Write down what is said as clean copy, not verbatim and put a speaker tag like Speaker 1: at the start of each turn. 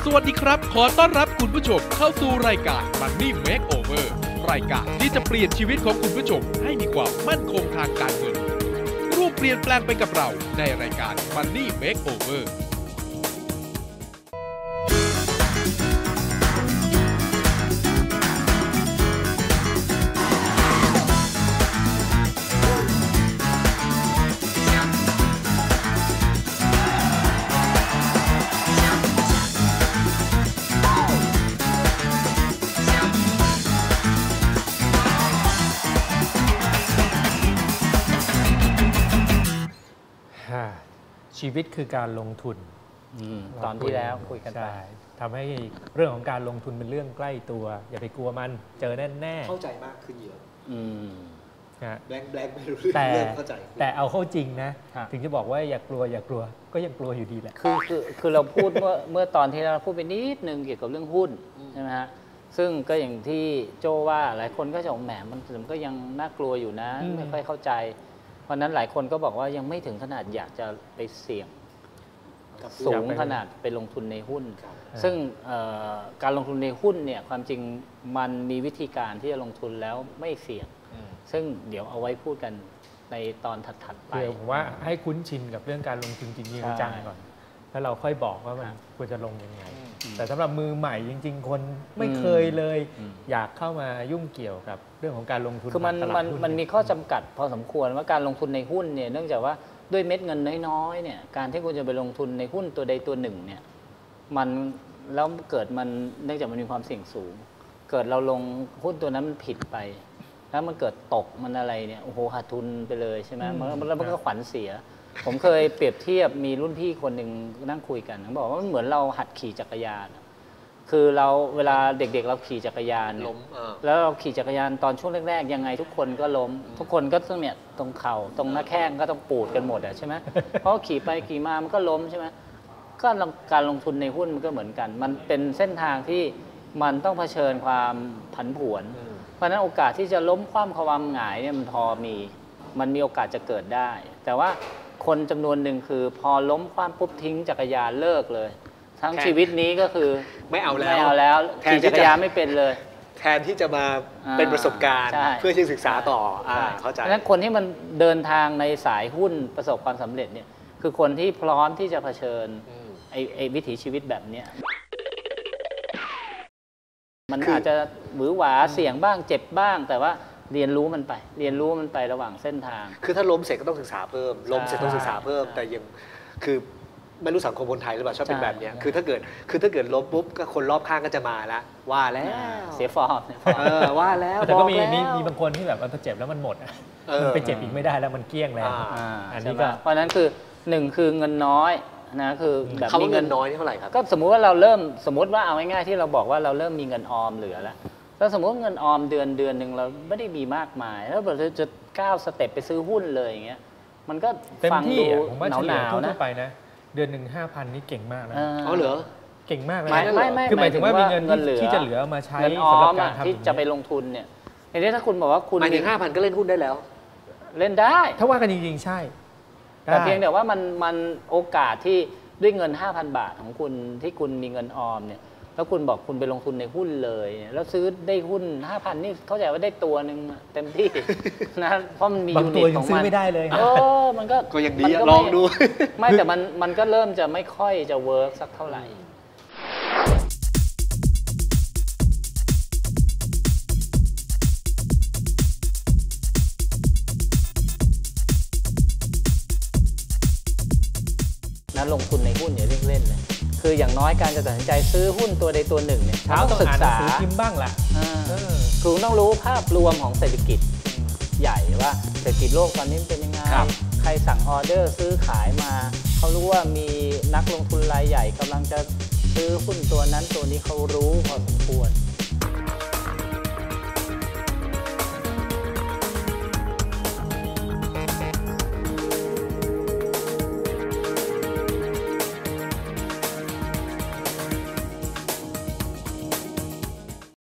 Speaker 1: สวัสดีครับขอต้อนรับคุณผู้ชมเข้าสู่รายการ Money Makeover รายการที่จะเปลี่ยนชีวิตของคุณผู้ชมให้มีความมั่นคงทางการเงินร่วมเปลี่ยนแปลงไปกับเราในรายการ Money Makeover
Speaker 2: ชีวิตคือการลงทุน
Speaker 3: ตอนที่แล้วคุยกันไป
Speaker 2: ทำให้เรื่องของการลงทุนเป็นเรื่องใกล้ตัวอย่าไปกลัวมันเจอแน่
Speaker 4: เข้าใจมากขึ้นเยอะแบงค์ไม่รู้เรื่องเข้าใจ
Speaker 2: แต่เอาเข้าจริงนะถึงจะบอกว่าอย่ากลัวก็ยังกลัวอยู่ดีแหละ
Speaker 3: คือเราพูดเมื่อตอนที่เราพูดไปนิดนึงเกี่ยวกับเรื่องหุ้นใช่ไหมฮะซึ่งก็อย่างที่โจว่าหลายคนก็จะบอกแหมมันก็ยังน่ากลัวอยู่นะไม่ค่อยเข้าใจเพราะนั้นหลายคนก็บอกว่ายังไม่ถึงขนาดอยากจะไปเสี่ยงสูงขนาดไปลงทุนในหุ้นซึ่งการลงทุนในหุ้นเนี่ยความจริงมันมีวิธีการที่จะลงทุนแล้วไม่เสี่ยงซึ่งเดี๋ยวเอาไว้พูดกันในตอนถัดๆไป
Speaker 2: ผมว่าให้คุ้นชินกับเรื่องการลงทุนจริงๆจังก่อนแล้วเราค่อยบอกว่ามันควรจะลงยังไงแต่สำหรับมือใหม่จริงๆคนไม่เคยเลยอยากเข้ามายุ่งเกี่ยวกับเรื่องของการลงทุน
Speaker 3: คือมันมีข้อจำกัดพอสมควรว่าการลงทุนในหุ้นเนี่ยเนื่องจากว่าด้วยเม็ดเงินน้อยๆเนี่ยการที่คุณจะไปลงทุนในหุ้นตัวใดตัวหนึ่งเนี่ยมันแล้วเกิดมันเนื่องจากมันมีความเสี่ยงสูงเกิดเราลงหุ้นตัวนั้นมันผิดไปแล้วมันเกิดตกมันอะไรเนี่ยโอ้โหขาดทุนไปเลยใช่ไหมแล้วมันก็ขวัญเสียผมเคยเปรียบเทียบมีรุ่นพี่คนหนึ่งนั่งคุยกันเขาบอกว่ามันเหมือนเราหัดขี่จักรยานคือเราเวลาเด็กๆเราขี่จักรยานแล้วเราขี่จักรยานตอนช่วงแรกๆยังไงทุกคนก็ล้มทุกคนก็ต้องเนี่ยตรงเข่าตรงหน้าแข้งก็ต้องปูดกันหมดใช่ไหมเพราะขี่ไปขี่มามันก็ล้มใช่ไหมก็การลงทุนในหุ้นมันก็เหมือนกันมันเป็นเส้นทางที่มันต้องเผชิญความผันผวนเพราะฉะนั้นโอกาสที่จะล้มคว่ำความหงายเนี่ยมันพอมันมีโอกาสจะเกิดได้แต่ว่าคนจำนวนหนึ่งคือพอล้มคว่ำปุ๊บทิ้งจักรยานเลิกเลยทั้งชีวิตนี้ก็คือ
Speaker 4: ไม่เอาแล้ว
Speaker 3: ขี่จักรยานไม่เป็นเลย
Speaker 4: แทนที่จะมาเป็นประสบการณ์เพื่อที่ศึกษาต่อเข้าใจ
Speaker 3: เพราะฉะนั้นคนที่มันเดินทางในสายหุ้นประสบความสำเร็จเนี่ยคือคนที่พร้อมที่จะเผชิญไอ้วิถีชีวิตแบบนี้มันอาจจะหวือหวาเสี่ยงบ้างเจ็บบ้างแต่ว่าเรียนรู้มันไประหว่างเส้นทาง
Speaker 4: คือถ้าล้มเสร็จก็ต้องศึกษาเพิ่มล้มเสร็จต้องศึกษาเพิ่มแต่ยังคือไม่รู้สังคมคนไทยหรือเปล่าชอบเป็นแบบนี้คือถ้าเกิดล้มปุ๊บก็คนรอบข้างก็จะมาแล้วว่าแล้ว
Speaker 3: เสียฟอร์ม
Speaker 4: ว่าแล้ว
Speaker 2: แต่ก็มีบางคนที่แบบมันเจ็บแล้วมันหมดมันไปเจ็บอีกไม่ได้แล้วมันเกลี้ยงแล้ว
Speaker 3: อันนี้ก็เพราะนั้นคือ1คือเงินน้อยนะคือ
Speaker 4: แบบมีเงินน้อยเท่าไหร่ครับ
Speaker 3: ก็สมมุติว่าเราเริ่มสมมติว่าเอาง่ายๆที่เราบอกว่าเราเริ่มมีเงินออมเหลือแล้วสมมติเงินออมเดือนหนึ่งเราไม่ได้มีมากมายแล้วเราจะก้าวสเต็ปไปซื้อหุ้นเลยอย่างเงี้ยมันก็
Speaker 2: ฟังดูหนาวๆนะไปนะเดือนหนึ่ง 5,000 นี่เก่งมากนะ
Speaker 4: เหรอ
Speaker 2: เก่งมากเลย
Speaker 3: ไม่
Speaker 2: คือหมายถึงว่ามีเงินที่จะเหลือมาใช้
Speaker 3: สำหรับการทำที่จะไปลงทุนเนี่ยทีนี้ถ้าคุณบอกว่าคุณ
Speaker 4: หมายถึง 5,000 ก็เล่นหุ้นได้แล้ว
Speaker 3: เล่นได้
Speaker 2: ถ้าว่ากันจริงๆใช่
Speaker 3: แต่เพียงแต่ว่ามันโอกาสที่ด้วยเงิน 5,000 บาทของคุณที่คุณมีเงินออมเนี่ยแล้วคุณบอกคุณไปลงทุนในหุ้นเลยแล้วซื้อได้หุ้น 5,000 นี่เข้าใจว่าได้ตัวนึงเต็มที่นะเพราะมันมียูนิตของมัน
Speaker 2: ซื้อไม่ได้เลย
Speaker 3: มันก็
Speaker 4: ยังดีลองดู
Speaker 3: ไม่แต่มันก็เริ่มจะไม่ค่อยจะเวิร์กสักเท่าไหร่นะลงทุนในหุ้นอย่าเล่นเลยคืออย่างน้อยการจะตัดสินใจซื้อหุ้นตัวใดตัวหนึ่งเนี่ย
Speaker 2: ต้องศึกษาพิมพ์บ้างแหละ
Speaker 3: คือต้องรู้ภาพรวมของเศรษฐกิจใหญ่ว่าเศรษฐกิจโลกตอนนี้เป็นยังไงใครสั่งออเดอร์ซื้อขายมาเขารู้ว่ามีนักลงทุนรายใหญ่กำลังจะซื้อหุ้นตัวนั้นตัวนี้เขารู้พอสมควร